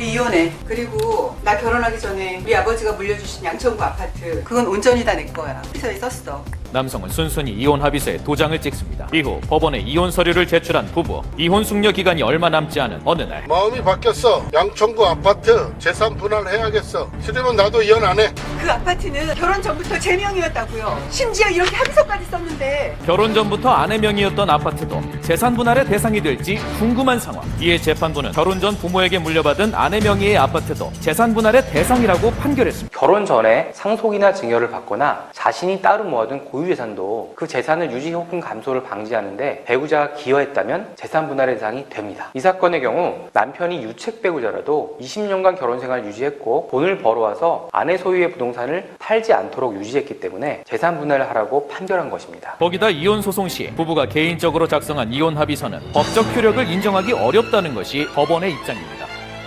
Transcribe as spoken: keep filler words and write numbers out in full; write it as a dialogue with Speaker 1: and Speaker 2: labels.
Speaker 1: 우리 이혼해. 그리고 나 결혼하기 전에 우리 아버지가 물려주신 양천구 아파트 그건 온전히 다 내 거야. 피서에 썼어.
Speaker 2: 남성은 순순히 이혼 합의서에 도장을 찍습니다. 이후 법원에 이혼 서류를 제출한 부부. 이혼 숙려 기간이 얼마 남지 않은 어느 날
Speaker 3: 마음이 바뀌었어. 양천구 아파트 재산 분할해야겠어. 싫으면 나도 이혼 안 해.
Speaker 1: 그 아파트는 결혼 전부터 제 명이었다고요. 심지어 이렇게 합의서까지 썼는데.
Speaker 2: 결혼 전부터 아내 명의였던 아파트도 재산 분할의 대상이 될지 궁금한 상황. 이에 재판부는 결혼 전 부모에게 물려받은 아내 명의의 아파트도 재산 분할의 대상이라고 판결했습니다.
Speaker 4: 결혼 전에 상속이나 증여를 받거나 자신이 따로 모아둔 고유재산도 그 재산을 유지 혹은 감소를 방지하는데 배우자가 기여했다면 재산 분할의 대상이 됩니다. 이 사건의 경우 남편이 유책 배우자라도 이십 년간 결혼 생활을 유지했고 돈을 벌어와서 아내 소유의 부동산을 팔지 않도록 유지했기 때문에 재산 분할을 하라고 판결한 것입니다.
Speaker 2: 거기다 이혼 소송 시 부부가 개인적으로 작성한 이혼 합의서는 법적 효력을 인정하기 어렵다는 것이 법원의 입장입니다.